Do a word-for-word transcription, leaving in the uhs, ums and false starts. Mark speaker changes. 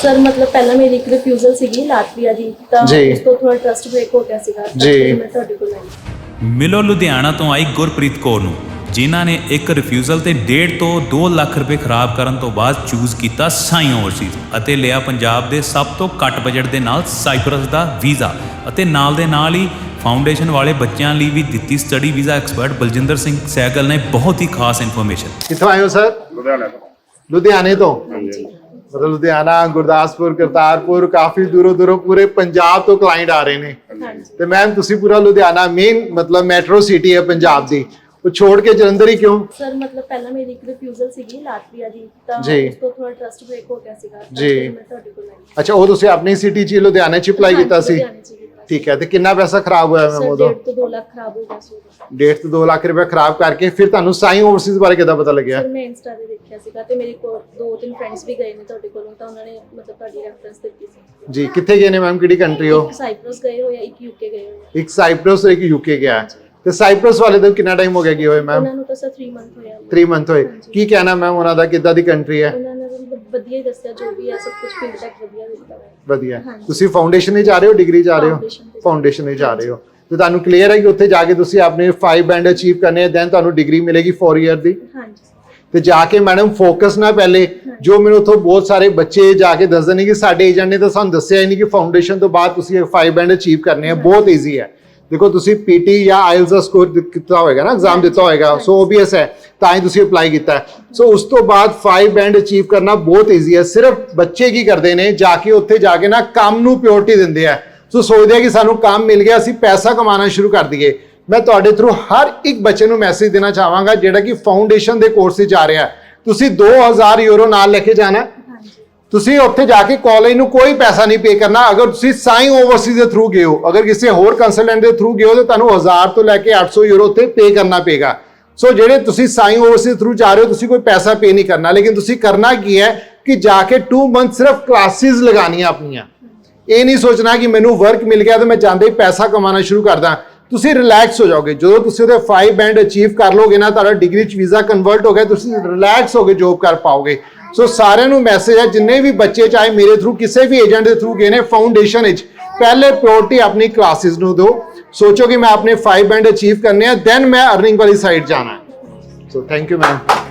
Speaker 1: Sir मतलब पहला मेरी एक रिफ्यूजल सीगी लाटविया दी ਤਾਂ ਉਸ ਤੋਂ ਥੋੜਾ ਟਰਸਟ ਬ੍ਰੇਕ ਹੋ ਗਿਆ ਸੀਗਾ ਜੀ ਮੈਂ ਤੁਹਾਡੇ ਕੋਲ ਆਈ।
Speaker 2: ਮਿਲੋ ਲੁਧਿਆਣਾ ਤੋਂ ਆਈ ਗੁਰਪ੍ਰੀਤ ਕੌਰ ਨੂੰ, ਜਿਨ੍ਹਾਂ ਨੇ ਇੱਕ ਰਿਫਿਊਜ਼ਲ ਤੇ ਡੇਢ ਤੋਂ ਦੋ ਲੱਖ ਰੁਪਏ ਖਰਾਬ ਕਰਨ ਤੋਂ ਬਾਅਦ ਚੂਜ਼ ਕੀਤਾ ਸਾਈ ਓਵਰਸੀਜ਼ ਅਤੇ ਲਿਆ ਪੰਜਾਬ ਦੇ ਸਭ ਤੋਂ ਘੱਟ ਬਜਟ ਦੇ ਨਾਲ ਸਾਈਪਰਸ ਦਾ ਵੀਜ਼ਾ ਅਤੇ ਨਾਲ ਦੇ ਨਾਲ ਹੀ ਫਾਊਂਡੇਸ਼ਨ ਵਾਲੇ ਬੱਚਿਆਂ ਲਈ ਵੀ ਦਿੱਤੀ study visa. Expert Baljinder Singh Sehgal ਨੇ ਬਹੁਤ ਹੀ ਖਾਸ ਇਨਫੋਰਮੇਸ਼ਨ।
Speaker 3: ਕਿੱਥੋਂ ਆਏ ਹੋ ਸਰ?
Speaker 4: ਲੁਧਿਆਣਾ ਤੋਂ।
Speaker 3: ਲੁਧਿਆਣੇ ਤੋਂ? मतलब लुधियाना, गुरदासपुर, करतारपुर, काफी दूरों दूरों पूरे पंजाब तो क्लाइंट आ रहे ने। ते मैम तुसी पूरा लुधियाना मेन मतलब मेट्रो सिटी है पंजाब दी, वो छोड़ के जलंधर ही क्यों?
Speaker 1: सर मतलब पहला मेरी एक रिफ्यूजल ਸੀਗੀ ਲਾਟਵੀਆ ਦੀ ਤਾਂ ਉਸ ਤੋਂ ਥੋੜਾ ਟਰਸਟ ਬ੍ਰੇਕ ਹੋ ਗਿਆ ਸੀਗਾ
Speaker 3: ਜੀ
Speaker 1: ਮੈਂ ਤੁਹਾਡੇ ਕੋਲ ਆਈ।
Speaker 3: ਅੱਛਾ, ਉਹ ਤੁਸੀਂ ਆਪਣੀ ਸਿਟੀ ਚ ਲੁਧਿਆਣੇ ਚ ਅਪਲਾਈ ਕੀਤਾ ਸੀ? ਠੀਕ ਹੈ। ਤੇ ਕਿੰਨਾ ਪੈਸਾ ਖਰਾਬ ਹੋਇਆ ਮੈਮ ਉਦੋਂ?
Speaker 1: ਡੇਢ ਤੋਂ ਦੋ ਲੱਖ ਖਰਾਬ ਹੋ ਗਿਆ ਸੀ।
Speaker 3: ਡੇਢ ਤੋਂ ਦੋ ਲੱਖ ਰੁਪਏ ਖਰਾਬ ਕਰਕੇ ਫਿਰ ਤੁਹਾਨੂੰ ਸਾਈ ਓਵਰਸੀਜ਼ ਬਾਰੇ ਕਿੱਦਾਂ ਪਤਾ ਲੱਗਿਆ?
Speaker 1: ਸਰ ਮੈਂ ਇੰਸਟਾ ਤੇ ਦੇਖਿਆ ਸੀਗਾ ਤੇ ਮੇਰੇ ਕੋਲ ਦੋ ਤਿੰਨ ਫਰੈਂਡਸ ਵੀ ਗਏ ਨੇ ਤੁਹਾਡੇ ਕੋਲੋਂ, ਤਾਂ ਉਹਨਾਂ ਨੇ ਮਤਲਬ ਤੁਹਾਡੀ ਰੈਫਰੈਂਸ ਦਿੱਤੀ ਸੀ।
Speaker 3: ਜੀ ਕਿੱਥੇ ਗਏ ਨੇ ਮੈਮ, ਕਿਹੜੀ ਕੰਟਰੀ ਹੋ?
Speaker 1: ਇੱਕ ਸਾਈਪਰਸ ਗਏ ਹੋਏ ਆ, ਇੱਕ ਯੂਕੇ ਗਏ ਹੋਏ ਆ।
Speaker 3: ਇੱਕ ਸਾਈਪਰਸ ਤੇ ਇੱਕ ਯੂਕੇ ਗਿਆ। ਤੇ ਸਾਈਪਰਸ ਵਾਲੇ ਦਾ ਕਿੰਨਾ ਟਾਈਮ ਹੋ ਗਿਆ ਗਏ ਹੋਏ ਮੈਮ?
Speaker 1: ਉਹਨਾਂ ਨੂੰ ਤਾਂ ਸਰ तीन ਮੰਥ ਹੋਇਆ।
Speaker 3: तीन ਮੰਥ ਹੋਏ। ਕੀ ਕਹਿਣਾ ਮੈਮ ਉਹਨਾਂ ਦਾ, ਕਿੱਦਾਂ ਦੀ ਕੰਟਰੀ ਹੈ?
Speaker 1: ਉਹਨਾਂ ਨੇ ਵਧੀਆ ਹੀ ਦੱਸਿਆ, ਜੋ ਵੀ ਹੈ ਸਭ ਕੁਝ ਫੀਡਬੈਕ ਵਧੀਆ ਦਿੱਤਾ ਹੈ।
Speaker 3: ਵਧੀਆ। ਤੁਸੀਂ ਫਾਊਂਡੇਸ਼ਨ ਵਿੱਚ ਜਾ ਰਹੇ ਹੋ, ਡਿਗਰੀ ਜਾ ਰਹੇ ਹੋ? ਫਾਊਂਡੇਸ਼ਨ ਵਿੱਚ ਜਾ ਰਹੇ ਹੋ ਤੇ ਤੁਹਾਨੂੰ ਕਲੀਅਰ ਹੈ ਕਿ ਉੱਥੇ ਜਾ ਕੇ ਤੁਸੀਂ ਆਪਣੇ फाइव ਬੈਂਡ ਅਚੀਵ ਕਰਨੇ ਆ, ਦੈਨ ਤੁਹਾਨੂੰ ਡਿਗਰੀ ਮਿਲੇਗੀ फोर ਈਅਰ ਦੀ।
Speaker 1: ਹਾਂਜੀ।
Speaker 3: ਤੇ ਜਾ ਕੇ ਮੈਡਮ ਫੋਕਸ ਨਾ ਪਹਿਲੇ, ਜੋ ਮੈਨੂੰ ਉੱਥੋਂ ਬਹੁਤ ਸਾਰੇ ਬੱਚੇ ਜਾ ਕੇ ਦੱਸਦੇ ਨੇ ਕਿ ਸਾਡੇ ਏਜੰਟ ਨੇ ਤਾਂ ਸਾਨੂੰ ਦੱਸਿਆ ਹੀ ਨਹੀਂ ਕਿ ਫਾਊਂਡੇਸ਼ਨ ਤੋਂ ਬਾਅਦ ਤੁਸੀਂ फाइव ਬੈਂਡ ਅਚੀਵ ਕਰਨੇ ਆ, ਬਹੁਤ ਈਜ਼ੀ ਹੈ। ਦੇਖੋ ਤੁਸੀਂ ਪੀਟੀ ਜਾਂ ਆਇਲਸ ਦਾ ਸਕੋਰ ਕੀਤਾ ਹੋਏਗਾ ਨਾ, ਐਗਜ਼ਾਮ ਦਿੱਤਾ ਹੋਏਗਾ, ਸੋ ਓਬਵੀਅਸ ਹੈ ਤਾਂ ਹੀ ਤੁਸੀਂ ਅਪਲਾਈ ਕੀਤਾ। ਸੋ ਉਸ ਤੋਂ ਬਾਅਦ फाइव ਬੈਂਡ ਅਚੀਵ ਕਰਨਾ ਬਹੁਤ ਈਜ਼ੀ ਹੈ। ਸਿਰਫ ਬੱਚੇ ਕੀ ਕਰਦੇ ਨੇ, ਜਾ ਕੇ ਉੱਥੇ ਜਾ ਕੇ ਨਾ ਕੰਮ ਨੂੰ ਪ੍ਰਾਇੋਰਟੀ ਦਿੰਦੇ ਆ। ਸੋ ਸੋਚਦੇ ਆ ਕਿ ਸਾਨੂੰ ਕੰਮ ਮਿਲ ਗਿਆ, ਅਸੀਂ ਪੈਸਾ ਕਮਾਉਣਾ ਸ਼ੁਰੂ ਕਰ ਦਈਏ। ਮੈਂ ਤੁਹਾਡੇ ਥਰੂ ਹਰ ਇੱਕ ਬੱਚੇ ਨੂੰ ਮੈਸੇਜ ਦੇਣਾ ਚਾਹਾਂਗਾ ਜਿਹੜਾ ਕਿ ਫਾਊਂਡੇਸ਼ਨ ਦੇ ਕੋਰਸ ਵਿੱਚ ਆ ਰਿਹਾ, ਤੁਸੀਂ ਦੋ ਹਜ਼ਾਰ ਯੂਰੋ ਨਾਲ ਲੈ ਕੇ ਜਾਣਾ। ਤੁਸੀਂ ਉੱਥੇ ਜਾ ਕੇ ਕਾਲਜ ਨੂੰ ਕੋਈ ਪੈਸਾ ਨਹੀਂ ਪੇ ਕਰਨਾ। ਅਗਰ ਤੁਸੀਂ ਸਾਈ ਓਵਰਸੀਜ਼ ਦੇ ਥਰੂ ਗਏ ਹੋ, ਅਗਰ ਕਿਸੇ ਹੋਰ ਕੰਸਲਟੈਂਟ ਦੇ ਥਰੂ ਗਏ ਹੋ, ਤਾਂ ਤੁਹਾਨੂੰ ਹਜ਼ਾਰ ਤੋਂ ਲੈ ਕੇ ਅੱਠ ਸੌ ਯੂਰੋ ਉੱਥੇ ਪੇ ਕਰਨਾ ਪਏਗਾ। ਸੋ ਜਿਹੜੇ ਤੁਸੀਂ ਸਾਈ ਓਵਰਸੀਜ਼ ਥਰੂ ਜਾ ਰਹੇ ਹੋ, ਤੁਸੀਂ ਕੋਈ ਪੈਸਾ ਪੇ ਨਹੀਂ ਕਰਨਾ, ਲੇਕਿਨ ਤੁਸੀਂ ਕਰਨਾ ਕੀ ਹੈ ਕਿ ਜਾ ਕੇ ਟੂ ਮੰਥ ਸਿਰਫ ਕਲਾਸਿਸ ਲਗਾਉਣੀਆਂ ਆਪਣੀਆਂ। ਇਹ ਨਹੀਂ ਸੋਚਣਾ ਕਿ ਮੈਨੂੰ ਵਰਕ ਮਿਲ ਗਿਆ ਤਾਂ ਮੈਂ ਜਾਂਦੇ ਹੀ ਪੈਸਾ ਕਮਾਉਣਾ ਸ਼ੁਰੂ ਕਰਦਾ। ਤੁਸੀਂ ਰਿਲੈਕਸ ਹੋ ਜਾਓਗੇ ਜਦੋਂ ਤੁਸੀਂ ਉਹਦੇ फाइव ਬੈਂਡ ਅਚੀਵ ਕਰ ਲੋਗੇ ਨਾ, ਤੁਹਾਡਾ ਡਿਗਰੀ ਚ ਵੀਜ਼ਾ ਕਨਵਰਟ ਹੋ ਗਿਆ, ਤੁਸੀਂ ਰਿਲੈਕਸ ਹੋ ਕੇ ਜੋਬ ਕਰ ਪਾਓਗੇ। ਸੋ ਸਾਰਿਆਂ ਨੂੰ ਮੈਸੇਜ ਹੈ, ਜਿੰਨੇ ਵੀ ਬੱਚੇ ਚਾਹੇ ਮੇਰੇ ਥਰੂ ਕਿਸੇ ਵੀ ਏਜੰਟ ਦੇ ਥਰੂ ਗਏ ਨੇ ਫਾਊਂਡੇਸ਼ਨ ਵਿੱਚ, ਪਹਿਲੇ ਪ੍ਰਾਇੋਰਟੀ ਆਪਣੀ ਕਲਾਸਿਸ ਨੂੰ ਦਿਓ। ਸੋਚੋ ਕਿ ਮੈਂ ਆਪਣੇ फाइव ਬੈਂਡ ਅਚੀਵ ਕਰਨੇ ਆ, ਦੈਨ ਮੈਂ ਅਰਨਿੰਗ ਵਾਲੀ ਸਾਈਡ ਜਾਣਾ। So thank you ma'am.